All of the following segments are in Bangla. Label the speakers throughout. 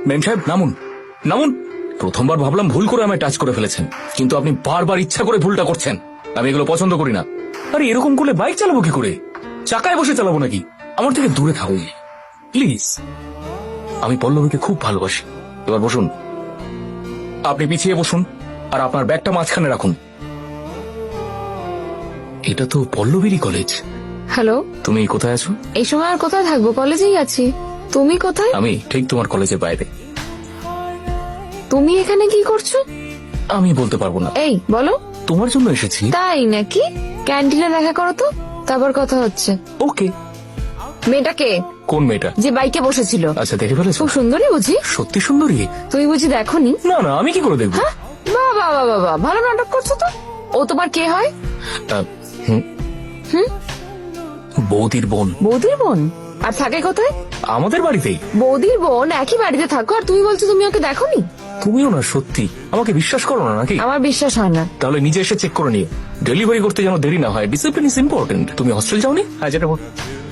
Speaker 1: মেম সাহেব নামুন নামুন। প্রথমবার ভাবলাম ভুল করে আমায় টাচ করে ফেলেছেন, কিন্তু আপনি বারবার ইচ্ছা করে ভুলটা করছেন। আমি এগুলো পছন্দ করি না। আরে এরকম করলে বাইক চালাবো কি করে? চাকায় বসে চালাবো নাকি? আমার থেকে দূরে থাকুন প্লিজ। আমি পল্লবীকে খুব ভালোবাসি। এবার বসুন। আপনি পিছিয়ে বসুন আর আপনার ব্যাগটা মাঝখানে রাখুন। এটা তো পল্লবীরই কলেজ।
Speaker 2: হ্যালো,
Speaker 1: তুমি কোথায় আছো?
Speaker 2: এই সময় আর কোথায় থাকবো? কলেজেই আছি। তুমি কোথায়?
Speaker 1: আমি ঠিক তোমার কলেজের বাইরে।
Speaker 2: তুমি এখানে কি করছো?
Speaker 1: আমি বলতে পারবো না।
Speaker 2: এই বলো।
Speaker 1: তোমার জন্য এসেছি।
Speaker 2: তাই নাকি? ক্যান্টিনে দেখা করো তো, তারপর কথা হচ্ছে।
Speaker 1: ওকে।
Speaker 2: মেয়েটাকে?
Speaker 1: কোন মেয়েটা?
Speaker 2: যে বাইকে বসেছিল।
Speaker 1: আচ্ছা, দেখে ফেলেছো?
Speaker 2: খুব সুন্দরী বুঝি?
Speaker 1: সত্যি সুন্দরী?
Speaker 2: তুমি বুঝি দেখোনি?
Speaker 1: না না, আমি কি করে দেখবো?
Speaker 2: হ্যাঁ, বাবা বাবা বাবা, ভালো নাটক করছো তো। ও তোমার কে হয়?
Speaker 1: বৌদির বোন।
Speaker 2: বৌদির বোন? আর থাকে কোথায়?
Speaker 1: আমাদের বাড়িতেই।
Speaker 2: বৌদির বোন একই বাড়িতে থাকো, আর তুমি বলছো তুমি ওকে দেখোনি?
Speaker 1: তুমিও না সত্যি আমাকে বিশ্বাস করো না নাকি?
Speaker 2: আমার বিশ্বাস হয় না।
Speaker 1: তাহলে নিজে এসে চেক করে নিও। ডেলিভারি করতে যেন দেরি না হয়। Discipline is important. তুমি হস্টেল যাওনি? হ্যাঁ, যেটা বল।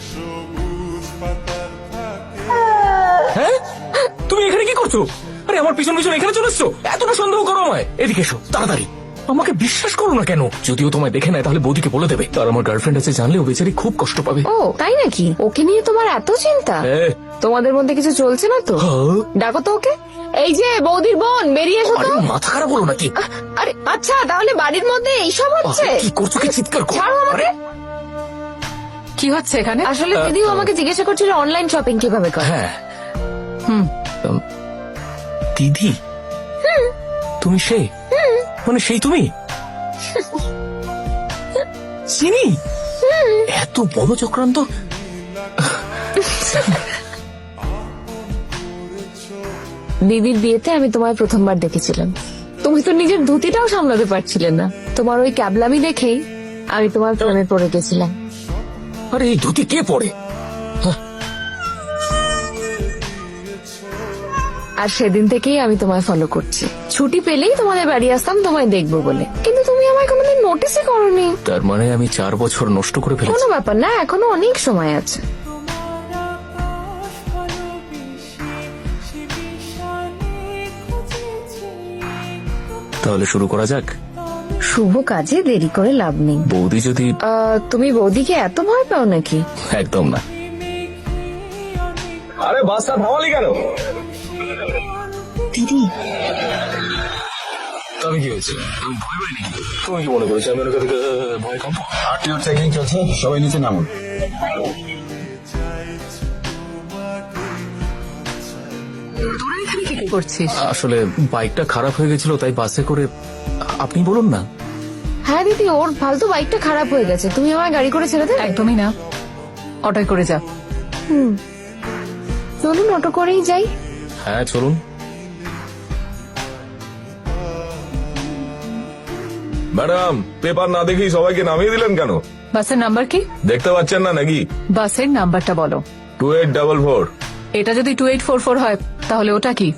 Speaker 1: হ্যাঁ, তুমি এখানে কি করছো? আরে আমার পিছন পিছন এখানে চলে এসছো? এতটা সন্দেহ করো আমায়? এদিকে এসো তাড়াতাড়ি। আমাকে বিশ্বাস করো না কেন? যদিও তোমায় দেখে নেয় তাহলে বৌদিকে বলে দেবে। তার আমার গার্লফ্রেন্ড আছে জানলেও বেচারি খুব কষ্ট পাবে।
Speaker 2: ও তাই নাকি? ওকে নিয়ে তোমার এত চিন্তা?
Speaker 1: হ্যাঁ।
Speaker 2: তোমাদের মধ্যে কিছু চলছে না তো?
Speaker 1: হ্যাঁ।
Speaker 2: ডাকো তো ওকে। এই যে বৌদির বোন, বেরিয়ে এসো
Speaker 1: আরে
Speaker 2: তো।
Speaker 1: মাথা খারাপ হলো নাকি?
Speaker 2: আরে আচ্ছা, তাহলে বাড়ির মধ্যে এইসব হচ্ছে?
Speaker 1: আরে, কি করছো? কি চিৎকার করো?
Speaker 2: ছাড়ো আমাকে।
Speaker 3: কি হচ্ছে এখানে?
Speaker 2: আসলে দিদিও আমাকে জিজ্ঞাসা করছিল অনলাইন শপিং কিভাবে করে।
Speaker 1: হ্যাঁ। দিদি, তুমি সে? মানে সেই তুমি? চিনি। এত বড় চক্রান্ত।
Speaker 2: দিদির বিয়েতে আমি তোমায় প্রথমবার দেখেছিলাম। তুমি তো নিজের ধুতিটাও সামলাতে পারছিলে না। তোমার ওই ক্যাবলামি দেখেই আমি তোমার প্রেমে পড়ে গেছিলাম।
Speaker 1: আরে এই ধুতি কে পড়ে?
Speaker 2: আর সেদিন থেকেই আমি তোমায় ফলো করছি। ছুটি পেলেই তোমাদের বাড়ি আসতাম তোমায় দেখবো বলে, কিন্তু তুমি আমায় কোনোদিন নোটিসই করোনি।
Speaker 1: তার মানে আমি 4 বছর নষ্ট করে
Speaker 2: কোনো
Speaker 1: ফেলেছি।
Speaker 2: ব্যাপার না, এখনো অনেক সময় আছে।
Speaker 1: তাহলে শুরু করা যাক।
Speaker 2: শুভ কাজে দেরি করে লাভ নেই।
Speaker 1: বৌদি যদি...
Speaker 2: তুমি বৌদিকে এত ভয় পাও নাকি?
Speaker 1: একদম না। আরে বাসটা থামালি কেন?
Speaker 2: দিদি,
Speaker 1: আমি কি হয়েছে? আমি ভয় পাই নাকি? তুমি কি মনে করেছো আমি ওর কাছে ভয় কাঁপবো?
Speaker 4: আরটিও চেকিং চলছে, সবাই নিচে নামুন।
Speaker 3: কি করছিস?
Speaker 1: আসলে বাইকটা খারাপ হয়ে গেছিল তাই বাসে করে। আপনি বলুন না।
Speaker 2: হ্যাঁ দিদি, ওর ফালতু বাইকটা খারাপ হয়ে গেছে, তুমি আমায় গাড়ি করে ছেড়ে দেবে?
Speaker 3: একদমই না, অটোয় করে যা।
Speaker 2: চলুন অটো করেই যাই।
Speaker 1: হ্যাঁ চলুন।
Speaker 5: ম্যাডাম, পেপার না দেখেই সবাইকে নামিয়ে দিলেন কেন?
Speaker 3: বাসের নাম্বার কি?
Speaker 5: দেখতে পাচ্ছেন না নাকি?
Speaker 3: বাসের নাম্বারটা বলো।
Speaker 5: 2844।
Speaker 3: এটা যদি 2844 হয় তাহলে ওটা কি?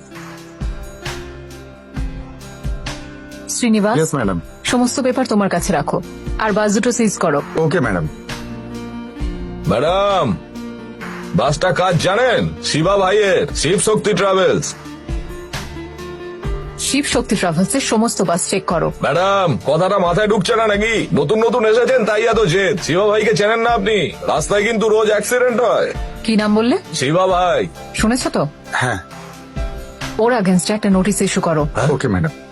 Speaker 3: Srinivas,
Speaker 4: yes madam.
Speaker 3: সমস্ত পেপার তোমার কাছে রাখো, আর বাস দুটো সিজ করো।
Speaker 4: Okay madam.
Speaker 5: ম্যাডাম, বাসটা কাজ জানেন? শিবা ভাইয়ের শিব শক্তি ট্রাভেলস।
Speaker 3: শিব শক্তি ট্রাভেলস এর সমস্ত বাস চেক করো।
Speaker 5: ম্যাডাম, কথাটা মাথায় ঢুকছে না নাকি? নতুন নতুন এসেছেন তাই এত জেদ। শিবা ভাইকে চেনেন না আপনি? রাস্তায় কিন্তু রোজ অ্যাক্সিডেন্ট হয়।
Speaker 3: কি নাম বললে?
Speaker 5: শিবা ভাই।
Speaker 3: শুনেছ তো?
Speaker 4: হ্যাঁ।
Speaker 3: ওর আগেনস্টে একটা নোটিশ ইস্যু করো।
Speaker 4: Okay madam.